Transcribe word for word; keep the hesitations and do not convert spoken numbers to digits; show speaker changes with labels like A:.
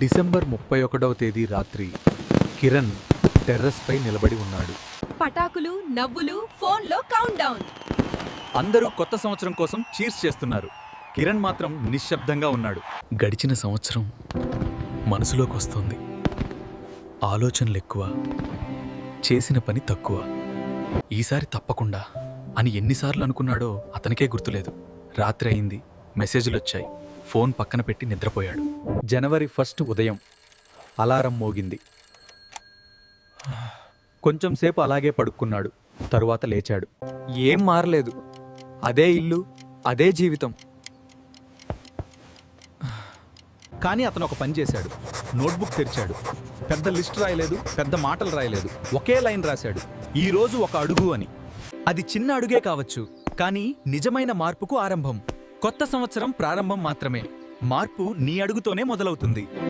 A: December ముప్పై ఒకటవ తేదీ రాత్రి కిరణ్ టెర్రస్పై నిలబడి ఉన్నాడు.
B: పటాకులు, నవ్వులు, ఫోన్లో కౌంట్ డౌన్.
A: అందరూ కొత్త సంవత్సరం కోసం చీర్స్ చేస్తున్నారు. కిరణ్ మాత్రం నిశ్శబ్దంగా ఉన్నాడు. గడిచిన సంవత్సరం మనసులోకి వస్తుంది. ఆలోచనలు ఎక్కువ, చేసిన పని తక్కువ. ఈసారి తప్పకుండా అని ఎన్నిసార్లు అనుకున్నాడో అతనికే గుర్తులేదు. రాత్రి అయింది, మెసేజ్లు వచ్చాయి. ఫోన్ పక్కన పెట్టి నిద్రపోయాడు. జనవరి ఫస్ట్ ఉదయం అలారం మోగింది. కొంచెం సేపు అలాగే పడుకున్నాడు. తరువాత లేచాడు.
C: ఏం మారలేదు, అదే ఇల్లు, అదే జీవితం.
A: కానీ అతను ఒక పని చేశాడు. నోట్బుక్ తెరిచాడు. పెద్ద లిస్ట్ రాయలేదు, పెద్ద మాటలు రాయలేదు. ఒకే లైన్ రాశాడు, ఈ రోజు ఒక అడుగు అని. అది చిన్న అడుగే కావచ్చు, కానీ నిజమైన మార్పుకు ఆరంభం. కొత్త సంవత్సరం ప్రారంభం మాత్రమే. మార్పు నీ అడుగుతోనే మొదలవుతుంది.